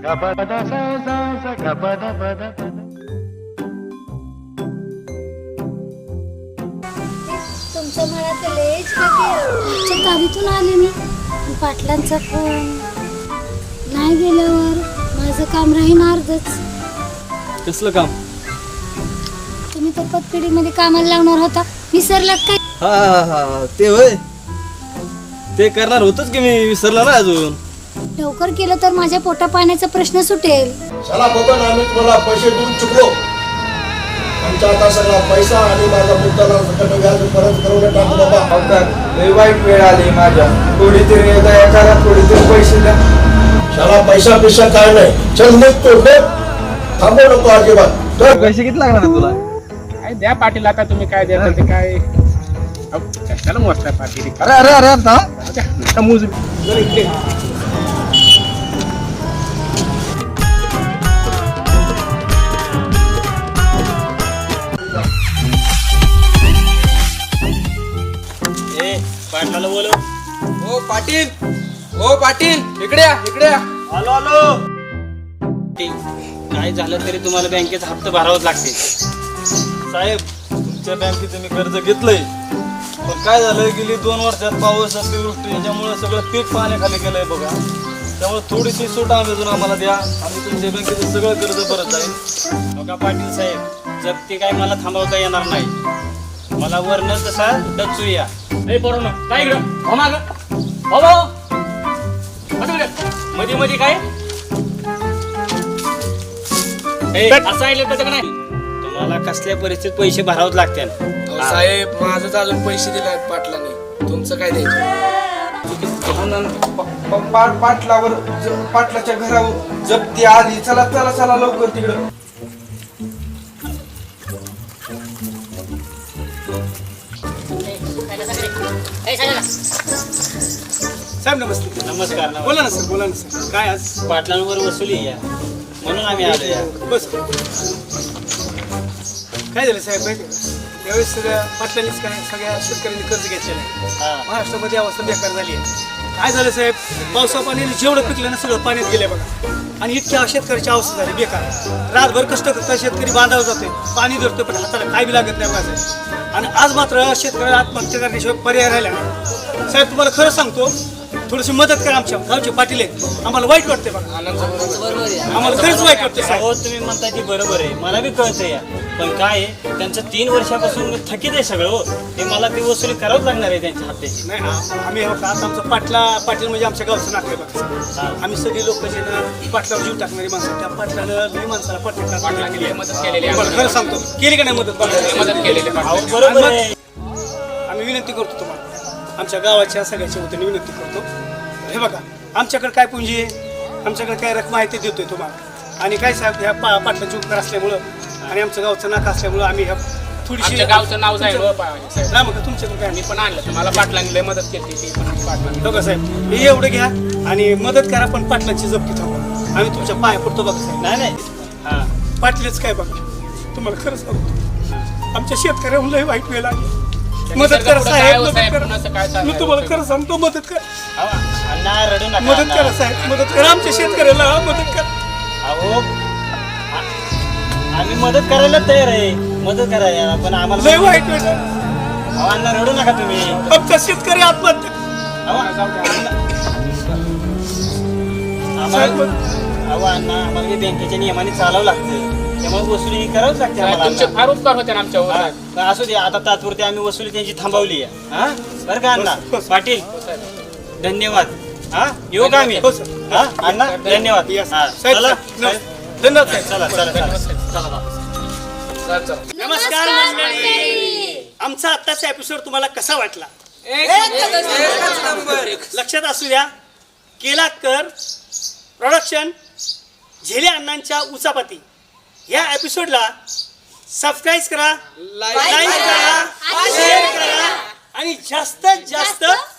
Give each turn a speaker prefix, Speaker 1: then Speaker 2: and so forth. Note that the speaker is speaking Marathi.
Speaker 1: तुमच्या मनात लयच मागच्या गाडीतून आले मी. पाटलांचा फोन नाही गेल्यावर माझं काम राहीन अर्धच.
Speaker 2: कसलं काम?
Speaker 1: तुम्ही तर पतपेढीमध्ये कामाला लावणार होता, विसरलात काय?
Speaker 2: हा हा हा ते होय, ते करणार होतच की मी, विसरला ना अजून.
Speaker 1: लवकर केलं तर माझ्या पोटा पाण्याचा प्रश्न सुटेल.
Speaker 3: चला बघून आम्ही तुम्हाला पैसे देऊन चुकलो. आमचा आता सगळा पैसा आणि माझा मुद्दाला सकट व्याज परत करून टाकू बाबा.
Speaker 4: लय वाईट वेळ आली माझ्या, थोडी तरी दया करा, थोडी तरी पैसे द्या.
Speaker 3: चला पैसा पिसा काय नाही, चल निघतो. थांबू नको अजिबात.
Speaker 2: पैसे किती लागणार आहे तुला?
Speaker 5: काय द्या पाटील, आता तुम्ही काय द्या ते काय. कशाला मोजताय पाटील?
Speaker 2: अरे अरे अरे आता
Speaker 5: मोज.
Speaker 2: पाटलाला बोलव.
Speaker 4: ओ पाटील, ओ पाटील, इकडे या, इकडे या.
Speaker 2: आलो आलो. काय झालं तरी तुम्हाला बँकेचा हप्ता भरावाच लागते. साहेब, तुमच्या बँकेचं मी कर्ज घेतलंय, पण काय झालं गेली 2 वर्षात पाऊस अतिवृष्टी याच्यामुळे सगळं पीक पाण्याखाली गेलंय बघा. त्यामुळे थोडीशी सूट अजून आम्हाला द्या, आम्ही तुमच्या बँकेचं सगळं कर्ज भरत जाईल. बघा पाटील साहेब, जप्ती काय मला थांबवता येणार नाही. मला वरनं तसा डचू या. काय मध्ये मध्ये काय असं तुम्हाला कसल्या परिस्थितीत पैसे भरावच लागतील.
Speaker 4: साहेब, माझंच अजून पैसे दिले आहेत पाटलाने, तुमचं काय द्यायचं? पाटलावर पाटलाच्या घरावर जप्ती आली. चला चला चला लवकर तिकडं.
Speaker 5: साहेब नमस्ते.
Speaker 2: नमस्कार.
Speaker 5: बोला ना सर, बोला ना सर. काय आज
Speaker 2: पाटलांवर वसुली या म्हणून आम्ही आलो या.
Speaker 5: बस. काय झालं साहेब माहिती आहे का? यावेळेस सगळ्या पाटलांनीच काय सगळ्या शेतकऱ्यांनी कर्ज घेतलेलं आहे. महाराष्ट्रामध्ये अवस्था बेकार झाली आहे. काय झालं साहेब, पावसा पाण्याने जेवढं पिकलं ना सगळं पाण्यात गेलं बघा. आणि इतक्या शेतकऱ्याची अवस्था झाली बेकार. रातभर कष्ट करता शेतकरी बांधावर जाते, पाणी धरतो पण हाताला काय बी लागत नाही बघा. आणि आज मात्र शेतकऱ्याला आत्महत्या करण्याशिवाय पर्याय राहिला नाही. साहेब तुम्हाला खरं सांगतो, थोडीशी मदत करा. आमच्या गावचे पाटील आहेत, आम्हाला वाईट वाटते बघा. आम्हाला खरंच वाईट वाटते साहेब.
Speaker 2: हो, तुम्ही म्हणता ती बरोबर आहे, मला बी कळतंय या. पण काय आहे, त्यांचं 3 वर्षापासून थकीत आहे सगळं. हो, ते मला ती वसुली करावंच लागणार आहे त्यांच्या हप्त्याची.
Speaker 5: नाही आम्ही आता आमचं पाटील म्हणजे आमच्या गावचं नातं आहे बघा. आम्ही सगळी लोक जे ना पाटलावर जीव टाकणारी माणसं, त्या पाटलानं मी माणसाला पाटला मदत केलेली. खरं सांगतो, केली का नाही मदत केलेली.
Speaker 2: बरोबर आहे.
Speaker 5: आम्ही विनंती करतो तुम्हाला, आमच्या गावाच्या सगळ्याच्या वतीने विनंती करतो. हे बघा, आमच्याकडे काय पुंजी आहे, आमच्याकडे काय रक्कम आहे ते देतोय तुम्हाला. आणि काय साहेब, ह्या पाटलाची उपकार असल्यामुळं आणि आमचं गावचं नाका असल्यामुळं आम्ही ह्या थोडीशी
Speaker 6: गावचं नाव जाईल
Speaker 5: तुमच्याकडे काय
Speaker 6: मी पण आणलं, मला पाटलांनी लय मदत केली. ती पण पाटलांनी.
Speaker 5: बघा साहेब, हे एवढं घ्या आणि मदत करा, पण पाटलांची जप्ती थांबवा. आम्ही तुमच्या पाया पडतो बघा साहेब.
Speaker 2: नाही
Speaker 5: पाटलेच काय बघा, तुम्हाला खरं सांगतो, आमच्या शेतकऱ्याहून लय वाईट वेळ आली. मदत करा साहेब, मदत करा. मी तुम्हाला खरं सांगतो, मदत करा.
Speaker 2: अण्णा रडू नका.
Speaker 5: मदत करा साहेब, मदत करा आमच्या शेतकऱ्याला, मदत करा.
Speaker 2: अहो, आम्ही मदत करायला तयार आहे, मदत करायला, पण आम्हाला
Speaker 5: लय वाईट वेळ.
Speaker 2: अहो अण्णा रडू नका तुम्ही.
Speaker 5: आमचा शेतकरी आत्महत्या.
Speaker 2: अहो अण्णा, आम्हाला बँकेच्या नियमाने चालावं लागतं, त्यामुळे वसुली करावंच लागते
Speaker 6: तुमचे
Speaker 2: आम्हाला.
Speaker 6: फार उपकार होते ना आमच्यावर.
Speaker 2: असू दे, आता तात्पुरती आम्ही वसुली त्यांची थांबवली आहे. हा बरं का अण्णा? पाटील धन्यवाद. हा येऊ का आम्ही?
Speaker 5: हो सर.
Speaker 2: हा अण्णा धन्यवाद. हा, चला
Speaker 5: धन्यवाद साहेब.
Speaker 2: चला चला चला.
Speaker 5: नमस्कार मंडळी, आमचा आत्ताचा एपिसोड तुम्हाला कसा वाटला? लक्षात असू द्या, केलाकर प्रोडक्शन, झेले अण्णांच्या उचापती या एपिसोडला सबस्क्राईब करा, लाईक करा, शेअर करा आणि जास्तीत जास्त